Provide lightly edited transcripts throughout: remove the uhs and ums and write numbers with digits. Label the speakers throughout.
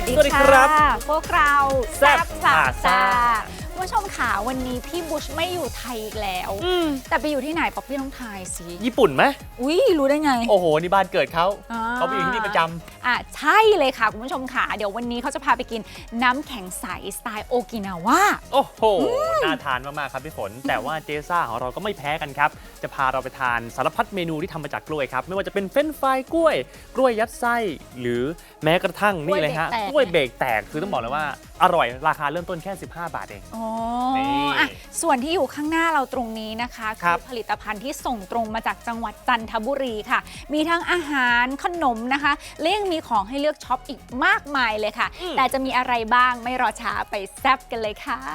Speaker 1: ดี
Speaker 2: สวัสดีครับ
Speaker 1: พวกเราแซ่บพลา
Speaker 2: ซ่า
Speaker 1: ซ่าคุณผู้ชมค่ะวันนี้พี่บุชไม่อยู่ไทยอีกแล้ว แต่ไปอยู่ที่ไหนป๊อปปี้ต้องทายสิ
Speaker 2: ญี่ปุ่นไหม
Speaker 1: อุ้ยรู้ได้ไง
Speaker 2: โอ้โหนี่บ้านเกิดเขา
Speaker 1: อ่า
Speaker 2: เขาไปอยู่ที่นี่ประจ
Speaker 1: ใช่เลยค่ะคุณผู้ชมค่ะเดี๋ยววันนี้เขาจะพาไปกินน้ำแข็งใสสไตล์โอกินาวา
Speaker 2: ำโอ้โหน่าทานมากๆครับพี่ฝน แต่ว่าเจซ่าของเราก็ไม่แพ้กันครับจะพาเราไปทานสารพัดเมนูที่ทำมาจากกล้วยครับไม่ว่าจะเป็นเฟรนช์ฟรายกล้วยยัดไส้หรือแม้กระทั่งนี่เลยฮะกล้วยเบรกแตกคือต้องบอกเลยว่าอร่อยราคาเริ่มต้นแค่15 บาทเอง
Speaker 1: อ๋อ
Speaker 2: นี่
Speaker 1: ส่วนที่อยู่ข้างหน้าเราตรงนี้นะคะ
Speaker 2: ครั
Speaker 1: คื
Speaker 2: บ
Speaker 1: อผลิตภัณฑ์ที่ส่งตรงมาจากจังหวัดจันทบุรีค่ะ มีทั้งอาหารขนมนะคะและยังมีของให้เลือกช็อปอีกมากมายเลยค่ะ แต่จะมีอะไรบ้างไม่รอช้าไปแซ่บกันเลยค่ะ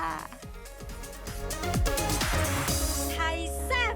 Speaker 1: ไทยแซ่บ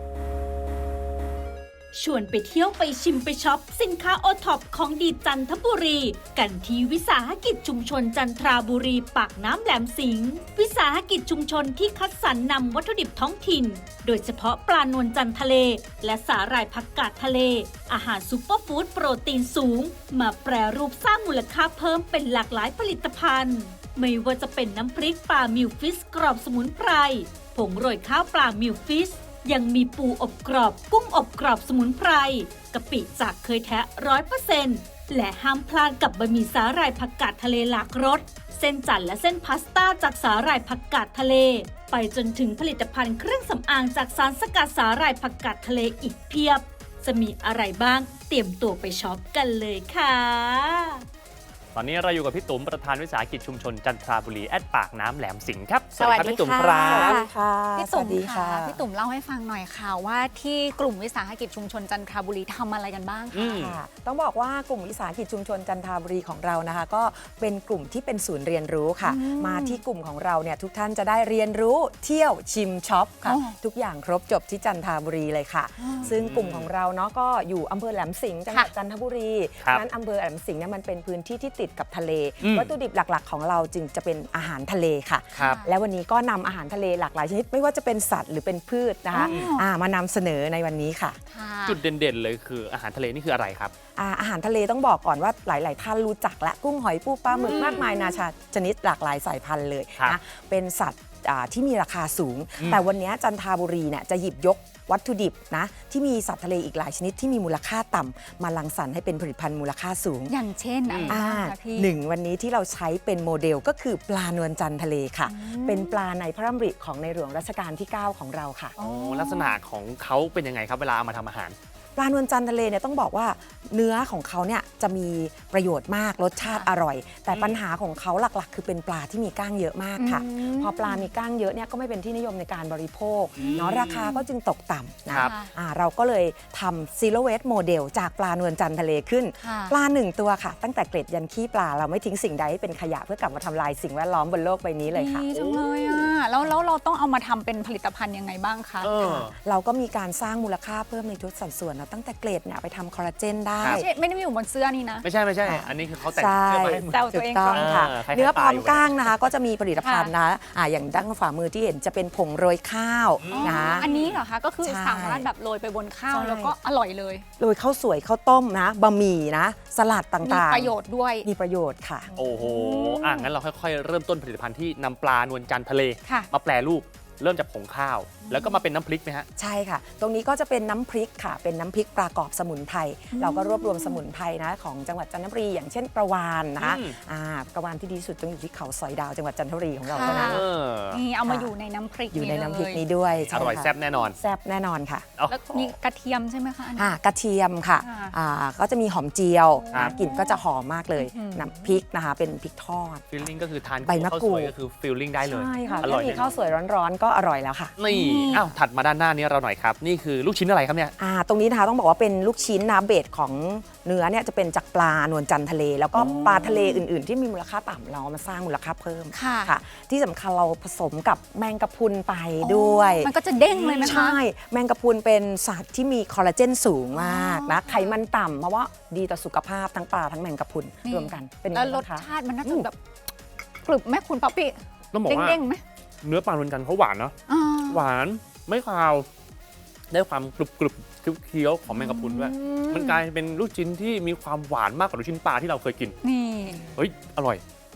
Speaker 3: ชวนไปเที่ยวไปชิมไปช็อปสินค้าโอท็อปของดีจันทบุรี กันที่วิสาหกิจชุมชนจันทราบุรีปากน้ำแหลมสิงห์วิสาหกิจชุมชนที่คัดสรรนำวัตถุดิบท้องถิ่น โดยเฉพาะปลานวลจันทร์ทะเล และสาหร่ายผักกาดทะเล อาหารซุปเปอร์ฟู้ดโปรตีนสูง มาแปรรูปสร้างมูลค่าเพิ่มเป็นหลากหลายผลิตภัณฑ์ ไม่ว่าจะเป็นน้ำพริกปลามิวฟิชกรอบสมุนไพรผงโรยข้าวปลามิวฟิชยังมีปูอบกรอบกุ้งอบกรอบสมุนไพรกะปิจากเคยแท้100%และห้ามพลาดกับบะหมี่สาหร่ายผักกาดทะเลหลากรสเส้นจันทร์และเส้นพาสต้าจากสาหร่ายผักกาดทะเลไปจนถึงผลิตภัณฑ์เครื่องสำอางจากสารสกัดสาหร่ายผักกาดทะเลอีกเพียบจะมีอะไรบ้างเตรียมตัวไปช็อปกันเลยค่ะ
Speaker 2: ตอนนี้เราอยู่กับพี่ตุ๋มประธานวิสาหกิจชุมชนจันทราบุรีแอดปากน้ำแหลมสิงห์ครับ
Speaker 1: สวัสดี
Speaker 2: พี่ตุ๋ม
Speaker 1: ค่ะ
Speaker 2: ครับ
Speaker 4: ค่ะ
Speaker 1: พี่
Speaker 4: ส
Speaker 1: ตุ่
Speaker 4: วั
Speaker 1: ม
Speaker 4: สดี
Speaker 1: ค่ะ
Speaker 4: ค่ะ
Speaker 1: พี่ตุ่มเล่าให้ฟังหน่อยค่ะว่าที่กลุ่มวิสาหกิจชุมชนจันทบุรีทำอะไรกันบ้าง
Speaker 2: อื
Speaker 1: คะ
Speaker 2: ม
Speaker 4: ค่ะต้องบอกว่ากลุ่มวิสาหกิจชุมชนจันทบุรีของเรานะคะ ก็เป็นกลุ่มที่เป็นศูนย์เรียนรู้ค่ะ มาที่กลุ่มของเราเนี่ยทุกท่านจะได้เรียนรู้เที่ยวชิมช็อปค่ะ
Speaker 1: อ๋อ
Speaker 4: ทุกอย่างครบจบที่จันทบุรีเลยค่ะ ซึ่งกลุ่มของเราเนาะก็อยู่อำเภอแหลมสิงห์จังหวัดจันทบุรี
Speaker 2: ครับ
Speaker 4: นั้นอำเภอแหลมสิงห์เนี่ยมันเป็นพื้นที่ที่ติดกับทะเล
Speaker 2: อืม
Speaker 4: วัตถุดิบหลักๆ ของเราจึงจะเป็นอาหารทะเลค่ะ
Speaker 2: ครับ
Speaker 4: และวันนี้ก็นำอาหารทะเลหลากหลายชนิดไม่ว่าจะเป็นสัตว์หรือเป็นพืชนะคะ มานำเสนอในวันนี้ค่ะ
Speaker 1: ค่ะ
Speaker 2: จุดเด่นๆเลยคืออาหารทะเลนี่คืออะไรครับ
Speaker 4: อาหารทะเลต้องบอกก่อนว่าหลาย ๆ ท่านรู้จักและกุ้งหอยปูปลาหมึกมากมายนานาชนิดหลากหลายสายพันธุ์เลย
Speaker 2: ครับ
Speaker 4: นะเป็นสัตว์ที่มีราคาสูง
Speaker 2: อืม
Speaker 4: แต่วันนี้จันทบุรีเนี่ยจะหยิบยกวัตถุดิบนะที่มีสัตว์ทะเลอีกหลายชนิดที่มีมูลค่าต่ำมารังสรรค์ให้เป็นผลิตภัณฑ์มูลค่าสูง
Speaker 1: อย่างเช่นอะไรบ้างคะพี่
Speaker 4: หนึ่งวันนี้ที่เราใช้เป็นโมเดลก็คือปลานวลจันทร์ทะเลค่ะ เป็นปลาในพระดำริของในหลวงรัชกาลที่ 9 ของเราค่ะ
Speaker 2: โอ้ลักษณะของเขาเป็นยังไงครับเวลาเอามาทำอาหาร
Speaker 4: ปลานวลจันทร์ทะเลเนี่ยต้องบอกว่าเนื้อของเขาเนี่ยจะมีประโยชน์มากรสชาติอร่อย แต่ปัญหาของเขาหลักๆ คือเป็นปลาที่มีก้างเยอะมากค่ะ พอปลามีก้างเยอะเนี่ยก็ไม่เป็นที่นิยมในการบริโภคเนาะราคาก็จึงตกต่ำนะครับ เราก็เลยทำซีโรเวสโมเดลจากปลานวลจันทร์ทะเลขึ้น
Speaker 1: ค่ะ
Speaker 4: ปลาหนึ่งตัวค่ะ ตั้งแต่เกล็ดยันขี้ปลาเราไม่ทิ้งสิ่งใดให้เป็นขยะเพื่อกลับมาทำลายสิ่งแวดล้อมบนโลกใบนี้เลยค่ะ
Speaker 1: ดีจังเลยอ่ะแล้วเราต้องเอามาทำเป็นผลิตภัณฑ์ยังไงบ้างคะ
Speaker 2: เออ
Speaker 4: เราก็มีการสร้างมูลค่าเพิ่มในทุกสัดส่วนนะตั้งแต่เกล็ดเนี่ยไปทำคอลลาเจนได้
Speaker 2: ครับ
Speaker 1: ไม่ได้มีอยู่บนเสื้อนี่นะ
Speaker 2: ไม่ใช่ อันนี้คือเขาแต่ง
Speaker 4: ใช่
Speaker 2: เสื้อมาให้เหมือน
Speaker 1: แซวตัวเอง
Speaker 4: ถูกต้องค่ะ
Speaker 2: คล้ายๆ
Speaker 4: เนื้อพร้อม
Speaker 2: ปลาอยู่
Speaker 4: ก้างนะคะ ก็จะมีผลิตภัณฑ์นะอย่างด้านฝ่ามือที่เห็นจะเป็นผงโรยข้าวนะ
Speaker 1: อันนี้เหรอคะก็คือ
Speaker 4: ใช่
Speaker 1: สามารถแบบโรยไปบนข้าว
Speaker 4: ใช่
Speaker 1: แล้วก็อร่อยเลย
Speaker 4: โรยข้าวสวยข้าวต้มนะบะหมี่นะ สลัด
Speaker 1: มี
Speaker 4: ต่างๆ
Speaker 1: ประโยชน์ด้วย
Speaker 4: มีประโยชน์ค่ะ
Speaker 2: โอ้โหงั้นเราค่อยๆ เริ่มต้นผลิตภัณฑ์ที่นำปลานวลจันทร์ทะเล
Speaker 1: ค่ะ
Speaker 2: มาแปรรูปเริ่มจากผงข้าว แล้วก็มาเป็นน้ำพริกไหมฮะ
Speaker 4: ใช่ค่ะ ตรงนี้ก็จะเป็นน้ำพริกค่ะ เป็นน้ำพริกปลากรอบสมุนไพร เราก็รวบรวมสมุนไพรนะของจังหวัดจันทบุรีอย่างเช่นประวานนะคะ
Speaker 2: อืม
Speaker 4: ประวานที่ดีที่สุดต้องอยู่ที่เขาสอยดาวจังหวัดจันทบุรีของเราเท่านั้น
Speaker 2: เออ
Speaker 1: นี่เอามาอยู่ในน้ำพริก
Speaker 4: อยู่ในน้ำพริก
Speaker 1: เลย
Speaker 4: นี้ด้วย
Speaker 2: อ
Speaker 4: ใช่
Speaker 2: ร่อย
Speaker 4: ค่ะ
Speaker 2: แซ่บแน่นอน
Speaker 4: แซ่บแน่นอนค่ะ
Speaker 2: เอา
Speaker 1: แล้วมีกระเทียมใช่ไหมคะอันนี้
Speaker 4: กระเทียมค่ะ
Speaker 1: ค่ะ
Speaker 4: ก็จะมีหอมเจียว
Speaker 2: ครับ
Speaker 4: กลิ่นก็จะหอมมากเลย
Speaker 1: อืม
Speaker 4: น้ำพริกนะคะเป็นพริกทอด
Speaker 2: ฟิลลิ่งก็คือทาน
Speaker 4: ใบมะ
Speaker 2: ข้าว
Speaker 4: กรู
Speaker 2: ส
Speaker 4: ด
Speaker 2: วยก็คือฟิลลิ่งได้เลย
Speaker 4: ใช่ค่ะ
Speaker 2: อร่อย
Speaker 4: แค่มีข้าวสวยร้อนๆ ก็อร่อยแล้วค่ะ
Speaker 2: นี่อ้าวถัดมาด้านหน้านี้เราหน่อยครับ นี่คือลูกชิ้นอะไรครับเนี่ย
Speaker 4: ตรงนี้นะคะต้องบอกว่าเป็นลูกชิ้นนะเบสของเนื้อเนี่ยจะเป็นจากปลานวลจันทร์ทะเล แล้วก็ปลาทะเลอื่นๆ ที่มีมูลค่าต่ำเราเอามาสร้างมูลค่าเพิ่ม
Speaker 1: ค่ะ
Speaker 4: ที่สำคัญเราผสมกับแมงกะพรุนไปด้วย
Speaker 1: มันก็จะเด้งเลยไหมคะ
Speaker 4: ใช่ แมงกะพรุนเป็นสัตว์ที่มีคอลลาเจนสูงมากนะไขมันต่ำเพราะว่าดีต่อสุขภาพทั้งปลาทั้งแมงกะพรุน
Speaker 1: นี่
Speaker 4: รวมกันเป็นยัง
Speaker 1: แล้ว
Speaker 4: ไง
Speaker 1: ร
Speaker 4: บ้า
Speaker 1: ส
Speaker 4: งคะ
Speaker 1: ชาติมันน่าจะแบบกรึบไหมคุณป๊อปปี้
Speaker 2: ต้องบอกว่า
Speaker 1: เด้งๆไหม
Speaker 2: เนื้อปลานวลจันทร์เขาหวานเนาะ
Speaker 1: อ่า
Speaker 2: หวานไม่คาว ได้ความกรุบๆเคี้ยวๆของแมงกะพรุนด้วย มันกลายเป็นลูกชิ้นที่มีความหวานมากกว่าลูกชิ้นปลาที่เราเคยกิน
Speaker 1: นี่
Speaker 2: เฮ้ย อร่อย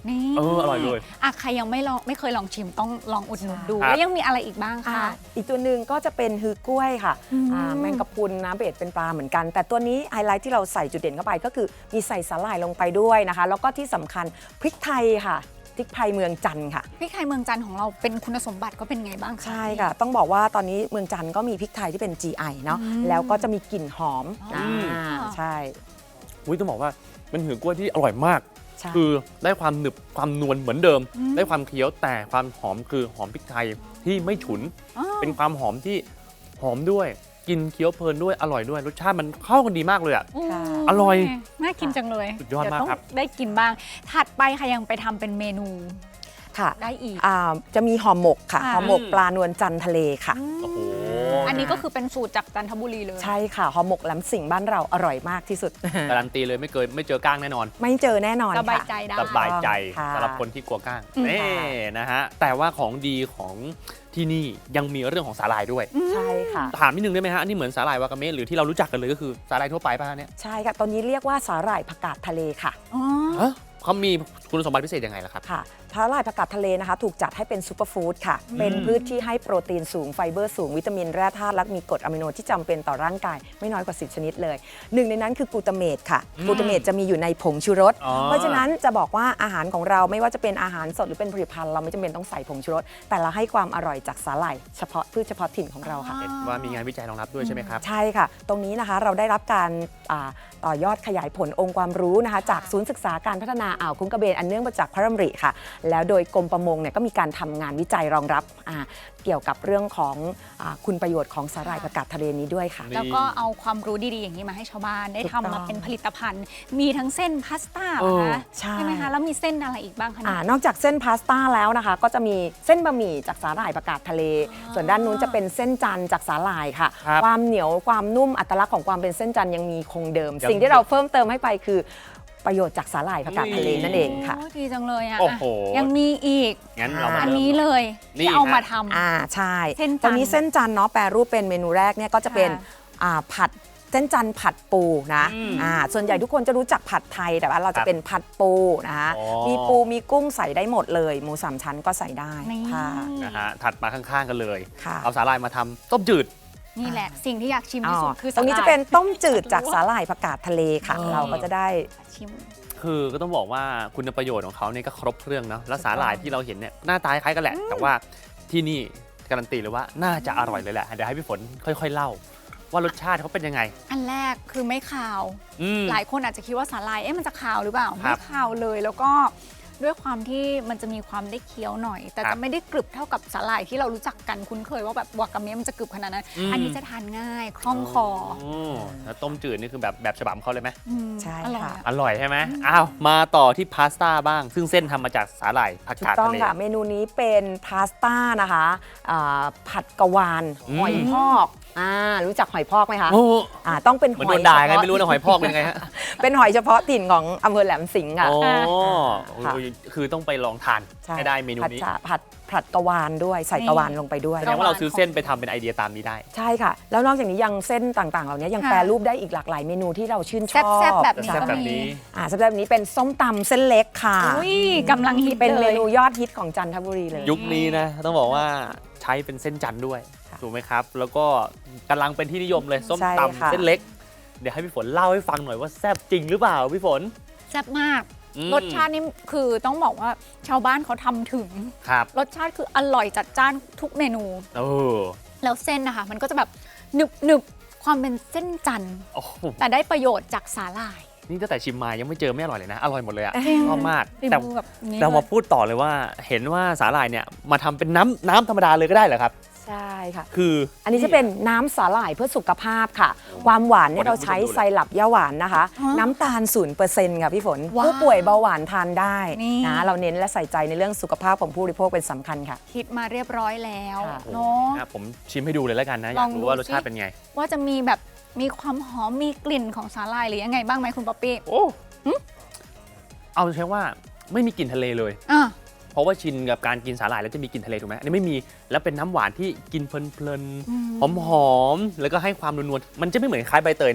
Speaker 1: นี่
Speaker 2: อร่อยเลย
Speaker 1: อ่ะใครยังไม่เคยลองชิมต้องลองอุดหนุนดู
Speaker 2: ครับ
Speaker 1: แล้วยังมีอะไรอีกบ้าง
Speaker 4: อ่า
Speaker 1: คะ
Speaker 4: อีกตัวหนึ่งก็จะเป็นฮือกล้วยค่ะ
Speaker 1: อืม
Speaker 4: แมงกะพรุนนะเบสเป็นปลาเหมือนกัน แต่ตัวนี้ไฮไลท์ที่เราใส่จุดเด่นเข้าไปก็คือมีใส่สาหร่ายลงไปด้วยนะคะ แล้วก็ที่สำคัญพริกไทยค่ะพริกไทยเมืองจันทร์ค่ะ
Speaker 1: พริกไทยเมืองจันทร์ของเราเป็นคุณสมบัติก็เป็นไงบ้างคะ
Speaker 4: ใช่ค่ะ ต้องบอกว่าตอนนี้เมืองจันทร์ก็มีพริกไทยที่เป็น GI เนาะ
Speaker 1: อืม
Speaker 4: แล้วก็จะมีกลิ่นหอม
Speaker 1: อ๋ออ่
Speaker 4: ใช่
Speaker 2: อุ้ยต้องบอกว่ามันหือกล้วยที่อร่อยมาก
Speaker 4: ใช่
Speaker 2: คือได้ความหนึบความนวลเหมือนเดิม
Speaker 1: อืม
Speaker 2: ได้ความเคี้ยวแต่ความหอมคือหอมพริกไทยที่ไม่ฉุน
Speaker 1: อ๋อ
Speaker 2: เป็นความหอมที่หอมด้วยกินเคี้ยวเพลินด้วยอร่อยด้วยรสชาติมันเข้ากันดีมากเลยอ่ะ
Speaker 4: ค่ะ
Speaker 2: อร่อย
Speaker 1: น่ากินจังเลย
Speaker 2: สุดยอดมาก
Speaker 1: เว
Speaker 2: ครับ
Speaker 1: ต้องได้กินบ้าง ถัดไปค่ะยังไปทำเป็นเมนู
Speaker 4: ค่ะ
Speaker 1: ได้อีก
Speaker 4: จะมีห่อหมกค่ะ
Speaker 1: ค่ะ
Speaker 4: ห่อหมกปลานวลจันทร์ทะเลค่ะ
Speaker 2: โอ้โห
Speaker 1: อันนี้ก็คือเป็นสูตรจากจันทบุรีเลย
Speaker 4: ใช่ค่ะห่อหมกแหลมสิงห์บ้านเราอร่อยมากที่สุด
Speaker 2: การันตีเลยไม่เจอก้างแน่นอน
Speaker 4: ไม่เจอแน่นอน
Speaker 1: สบาย
Speaker 4: ค่ะ
Speaker 1: ใจได้
Speaker 2: สบายใจ
Speaker 4: ค่ะ
Speaker 2: สำหรับคนที่กลัวก้าง
Speaker 1: อืม
Speaker 2: นี่นะฮะแต่ว่าของดีของที่นี่ยังมีเรื่องของสาหร่ายด้วย
Speaker 4: ใช่ค่ะ
Speaker 2: ถามนิดนึงได้ไหมฮะอันนี้เหมือนสาหร่ายวากาเมะหรือที่เรารู้จักกันเลยก็คือสาหร่ายทั่วไปป่ะฮะเนี่ย
Speaker 4: ใช่ค่ะ ตอนนี้เรียกว่าสาหร่ายผักกาดทะเลค่ะ
Speaker 1: อ๋อ
Speaker 2: ฮะเขามีคุณสมบัติพิเศษยังไงล่ะครับ
Speaker 4: ค่ะสาหร่ายผักกาดทะเลนะคะ ถูกจัดให้เป็นซูเปอร์ฟู้ดค่ะ เป็นพืชที่ให้โปรตีนสูงไฟเบอร์สูงวิตามินแร่ธาตุและมีกรดอะมิโนที่จำเป็นต่อร่างกายไม่น้อยกว่า 10 ชนิดเลยหนึ่งในนั้นคือกลูตาเมตค่ะกลูตาเมตจะมีอยู่ในผงชูรส
Speaker 2: อ๋อ
Speaker 4: เพราะฉะนั้นจะบอกว่าอาหารของเราไม่ว่าจะเป็นอาหารสดหรือเป็นผลิตภัณฑ์เราไม่จำเป็นต้องใส่ผงชูรสแต่เราให้ความอร่อยจากสาหร่ายเฉพาะพืชเฉพาะถิ่นของเราค่ะ
Speaker 2: เห็นว่ามีงานวิจัยรองรับด้วยใช่ไหมครับ
Speaker 4: ใช่ค่ะ ตรงนี้นะคะเราได้รับการต่อยอดขยายผลองค์ความรู้นะคะ จากศูนย์ศึกษาการพัฒนาอ่าวคุ้งกระเบนอันเนื่องมาจากพระดำริค่ะ แล้วโดยกรมประมงเนี่ยก็มีการทำงานวิจัยรองรับเกี่ยวกับเรื่องของคุณประโยชน์ของสาหร่ายผักกาดทะเลนี้ด้วยค่ะ
Speaker 2: นี่
Speaker 1: แล้วก็เอาความรู้ดีๆ อย่างนี้มาให้ชาวบ้านได้
Speaker 4: ถูก
Speaker 1: ทำ
Speaker 4: ต้
Speaker 1: มา
Speaker 4: อง
Speaker 1: เป็นผลิตภัณฑ์ มีทั้งเส้นพาสต้า
Speaker 2: เออ
Speaker 1: นะคะ
Speaker 4: ใช่
Speaker 1: ไหมคะ แล้วมีเส้นอะไรอีกบ้างคะเนี่ย
Speaker 4: นอกจากเส้นพาสต้าแล้วนะคะ ก็จะมีเส้นบะหมี่จากสาหร่ายผักกาดทะเล ส่วนด้านนู้นจะเป็นเส้นจันทร์จากสาหร่ายค่ะ
Speaker 2: ครับ
Speaker 4: ความเหนียวความนุ่มอัตลักษณ์ของความเป็นเส้นจันทร์ยังมีคงเดิม
Speaker 2: ยัง
Speaker 4: สิ่งที่เราเพิ่มเติมให้ไปคือประโยชน์จากสาหร่ายผักกาดทะเลนั่นเองค่ะ
Speaker 1: โดีจังเลยอ่ะ
Speaker 2: โอ้โห
Speaker 1: ยังมีอีก
Speaker 2: งั้นเรามา
Speaker 1: อัน
Speaker 2: เริ่ม
Speaker 1: นี้เลย
Speaker 2: นี่
Speaker 1: ที่เอามา
Speaker 2: ฮะ
Speaker 1: ทำ
Speaker 4: ใช่
Speaker 1: เส้นจันทร์
Speaker 4: ตอนนี้เส้นจันทร์เนาะแปรรูปเป็นเมนูแรกเนี่ยก็จะเป็น
Speaker 1: ค่ะ
Speaker 4: ผัดเส้นจันทร์ผัดปูนะ
Speaker 2: อืม
Speaker 4: ส่วนใหญ่ทุกคนจะรู้จักผัดไทยแต่ว่าเรา
Speaker 2: ครั
Speaker 4: จะ
Speaker 2: บ
Speaker 4: เป็นผัดปูนะคะ
Speaker 2: อ๋อ
Speaker 4: มีปูมีกุ้งใส่ได้หมดเลยหมูสามชั้นก็ใส่ได้
Speaker 1: นี่
Speaker 4: ค่ะ
Speaker 2: นะฮะถัดมาข้างๆกันเลย
Speaker 4: ค่ะ
Speaker 2: เอาสาหร่ายมาทำต้มจืด
Speaker 1: นี่แหละ สิ่งที่อยากชิมที่สุดคือ
Speaker 4: ตรงนี้
Speaker 1: สาห
Speaker 4: จะ
Speaker 1: ร่าย
Speaker 4: เป็นต้มจืดจากสาหร่ายผักกาดทะเลค่ะ
Speaker 2: อ๋อ
Speaker 4: เราก็จะได้
Speaker 1: ชิม
Speaker 2: คือก็ต้องบอกว่าคุณประโยชน์ของเขาเนี่ยก็ครบเครื่องเนาะแล้วสาหร่ายที่เราเห็นเนี่ยหน้าตาคล้ายกันแหละ แต่ว่าที่นี่การันตีเลยว่าน่าจะอร่อยเลยแหละเดี๋ยวให้พี่ฝนค่อยๆเล่า ว่ารสชาติเขาเป็นยังไง
Speaker 1: อันแรกคือไม่คาว
Speaker 2: อืม
Speaker 1: หลายคนอาจจะคิดว่าสาหร่ายมันจะคาวหรือเปล่า
Speaker 2: ครั
Speaker 1: ไม่
Speaker 2: บ
Speaker 1: คาวเลยแล้วก็ด้วยความที่มันจะมีความได้เคี้ยวหน่อย แต่
Speaker 2: ครั
Speaker 1: จะ
Speaker 2: บ
Speaker 1: ไม่ได้กรึบเท่ากับสาหร่ายที่เรารู้จักกันคุ้นเคยว่าแบบวากาเมะมันจะกรึบขนาดนั้น อันนี้จะทานง่ายคล่องคอ
Speaker 2: แล้วต้มจืดนี่คือแบบฉบับเขาเลยไหม
Speaker 1: ม
Speaker 4: ใช่
Speaker 1: อร่อย
Speaker 4: ค่ะ
Speaker 1: อะ
Speaker 2: อร่อยใช่ไหมอ้าวมาต่อที่พาสต้าบ้าง ซึ่งเส้นทำมาจากสาหร่ายผัก
Speaker 4: ถูก
Speaker 2: กาด
Speaker 4: ต้อง
Speaker 2: ทะเล
Speaker 4: ค่ะ เมนูนี้เป็นพาสต้านะคะผัดกะวาน
Speaker 2: อืม
Speaker 4: หอยพอกรู้จักหอยพอกไหมคะ
Speaker 2: โอ้
Speaker 4: ต้องเป็น
Speaker 2: เหมือน
Speaker 4: ห
Speaker 2: โด
Speaker 4: อย
Speaker 2: นด่าไง
Speaker 4: เฉพาะ
Speaker 2: ไม่รู้นะหอยพอกเป็นไงฮะ
Speaker 4: เป็นหอยเฉพาะถิ่นของอำเภอแหลมสิงห์ค่ะ
Speaker 2: โอ้
Speaker 4: ค่ะ
Speaker 2: คือต้องไปลองทาน
Speaker 4: ใช่
Speaker 2: ให้ได้เมนูนี้
Speaker 4: ผัดกะวานด้วยใส่กะวานลงไปด้วย
Speaker 2: แสดงว่าเราซื้อเส้นไปทำเป็นไอเดียตามนี้ได้
Speaker 4: ใช่ค่ะ แล้วนอกจากนี้ยังเส้นต่างๆ เหล่านี้ยัง
Speaker 1: ค่ะ
Speaker 4: แปรรูปได้อีกหลากหลายเมนูที่เราชื่นชอบ
Speaker 1: แซ่บๆแบบนี้
Speaker 2: แซ่บ
Speaker 1: ก็
Speaker 2: แบบ
Speaker 1: มี
Speaker 2: นี้
Speaker 4: แซ่บแบบนี้เป็นส้มตำเส้นเล็กค่ะ
Speaker 1: อุ้ยกำลังฮิต
Speaker 4: เป็น
Speaker 1: เล
Speaker 4: เม
Speaker 1: ย
Speaker 4: นูยอดฮิตของจันทบุรีเลย
Speaker 2: ยุคนี้นะต้องบอกว่าใช้เป็นเส้นจันทร์ด้วย
Speaker 4: ค่ะ
Speaker 2: ถูกไหมครับ แล้วก็กำลังเป็นที่นิยมเลยส้ม
Speaker 4: ใช่
Speaker 2: ตำ
Speaker 4: ค่ะ
Speaker 2: เส้นเล็ก เดี๋ยวให้พี่ฝนเล่าให้ฟังหน่อยว่าแซ่บจริงหรือเปล่าพี่ฝน
Speaker 1: แซ่บมาก
Speaker 2: อืม
Speaker 1: รสชาตินี่คือต้องบอกว่าชาวบ้านเขาทำถึง
Speaker 2: ครับ
Speaker 1: รสชาติคืออร่อยจัดจ้านทุกเมนู
Speaker 2: เออ
Speaker 1: แล้วเส้นนะคะมันก็จะแบบหนึบหนึบความเป็นเส้นจันทร์
Speaker 2: โอ้โห
Speaker 1: แต่ได้ประโยชน์จากสาหร่าย
Speaker 2: นี่ตั้งแต่ชิมมายังไม่เจอไม่อร่อยเลยนะ อร่อยหมดเลยอะ
Speaker 1: จริง
Speaker 2: ชอบมาก
Speaker 1: ฝี
Speaker 2: แต่
Speaker 1: มือแบบนี้
Speaker 2: เรามา
Speaker 1: ลย
Speaker 2: พูดต่อเลยว่าเห็นว่าสาหร่ายเนี่ยมาทำเป็นน้ำธรรมดาเลยก็ได้เหรอครับ
Speaker 4: ใช่ค่ะ
Speaker 2: คือ
Speaker 4: อันนี้จะเป็นน้ำสาหร่ายเพื่อสุขภาพค่ะ ความหวานเนี่ยเราใช้ไซรัปย่าหวานนะคะ น้ำตาล 0%ค่ะพี่ฝน
Speaker 1: ว้าว
Speaker 4: ผู้ป่วยเบาหวานทานได้
Speaker 1: นี่
Speaker 4: นะเราเน้นและใส่ใจในเรื่องสุขภาพของผู้บริโภคเป็นสำคัญค่ะ
Speaker 1: คิดมาเรียบร้อยแล้ว
Speaker 4: ค่ะ
Speaker 1: เนาะ
Speaker 2: ผมชิมให้ดูเลยแล้วกันนะ อ
Speaker 1: ล
Speaker 2: ยา
Speaker 1: อก ง
Speaker 2: รู้
Speaker 1: ดู
Speaker 2: ว่ารสชาติ
Speaker 1: สิ
Speaker 2: เป็นไง
Speaker 1: ว่าจะมีแบบมีความหอมมีกลิ่นของสาหร่ายหรือยังไงบ้างไหมคุณป๊อปปี้
Speaker 2: โอ้เอาใช้ว่าไม่มีกลิ่นทะเลเลย
Speaker 1: อ่ะ
Speaker 2: เพราะว่าชินกับการกินสาหร่ายแล้วจะมีกลิ่นทะเลถูกไหมอันนี้ไม่มีแล้วเป็นน้ำหวานที่กินเพลินๆหอมๆแล้วก็ให้ความนวลๆมันจะไม่เหมือนคล้ายใบเตยนะ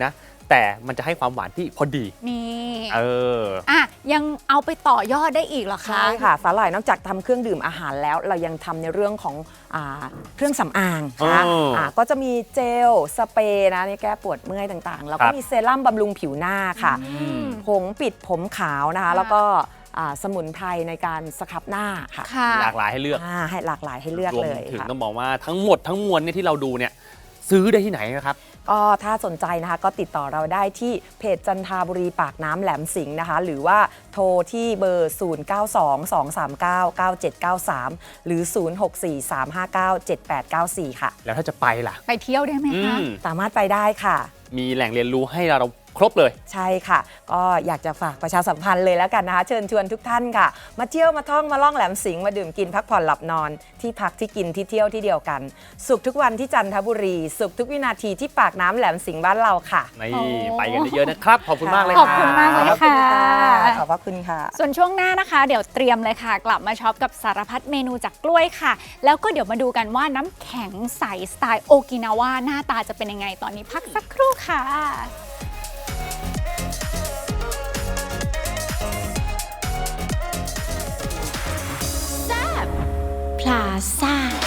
Speaker 2: แต่มันจะให้ความหวานที่พอดี
Speaker 1: นี่
Speaker 2: อ่ะ
Speaker 1: ยังเอาไปต่อยอดได้อีกเหรอคะ
Speaker 4: ใช่ค่ะสาหร่ายนอกจากทำเครื่องดื่มอาหารแล้วเรายังทำในเรื่องของเครื่องสำอางนะคะก็จะมีเจลสเปรย์นะนี่แก้ปวดเมื่อยต่างๆ แล้วก็มีเซรั่มบำรุงผิวหน้าค่ะผงปิดผมขาวนะคะแล้วก็สมุนไพรในการสครับหน้าค่ะ
Speaker 2: หลากหลายให้เลือก
Speaker 4: ให้หลากหลายให้เลือก
Speaker 2: รวม
Speaker 4: เลย
Speaker 2: ถึง
Speaker 4: ค่ะ
Speaker 2: ต้องบอกว่าทั้งหมดทั้งมวลเนี่ยที่เราดูเนี่ยซื้อได้ที่ไหนนะครับ
Speaker 4: ก็ถ้าสนใจนะคะก็ติดต่อเราได้ที่เพจจันทาบุรีปากน้ำแหลมสิงห์นะคะหรือว่าโทรที่เบอร์ 0922399793 หรือ 0643597894 ค่ะ
Speaker 2: แล้วถ้าจะไปล่ะ
Speaker 1: ไปเที่ยวได้ไหมคะ
Speaker 4: สามารถไปได้ค่ะ
Speaker 2: มีแหล่งเรียนรู้ให้เราครบเลย
Speaker 4: ใช่ค่ะ ก็อยากจะฝากประชาสัมพันธ์เลยแล้วกันนะคะ เชิญชวนทุกท่านค่ะ มาเที่ยวมาท่องมาล่องแหลมสิงห์มาดื่มกินพักผ่อนหลับนอนที่พักที่กินที่เที่ยวที่เดียวกัน สุขทุกวันที่จันทบุรี สุขทุกวินาทีที่ปากน้ำแหลมสิงห์บ้านเราค่ะ
Speaker 2: นี่
Speaker 1: โอ้
Speaker 2: ไปกันเยอะๆนะครับ ขอบคุณมากเลย
Speaker 1: ขอบคุณมากเลย
Speaker 2: รับ
Speaker 1: ค่ะ
Speaker 4: ขอบพระคุณค่ะ
Speaker 1: ส่วนช่วงหน้านะคะ เดี๋ยวเตรียมเลยค่ะ กลับมาช็อปกับสารพัดเมนูจากกล้วยค่ะ แล้วก็เดี๋ยวมาดูกันว่าน้ำแข็งใสสไตล์โอกินาวาหน้าตาจะเป็นยังไงตอนนี้พักสักครู่ค่ะ
Speaker 5: พลาซ่า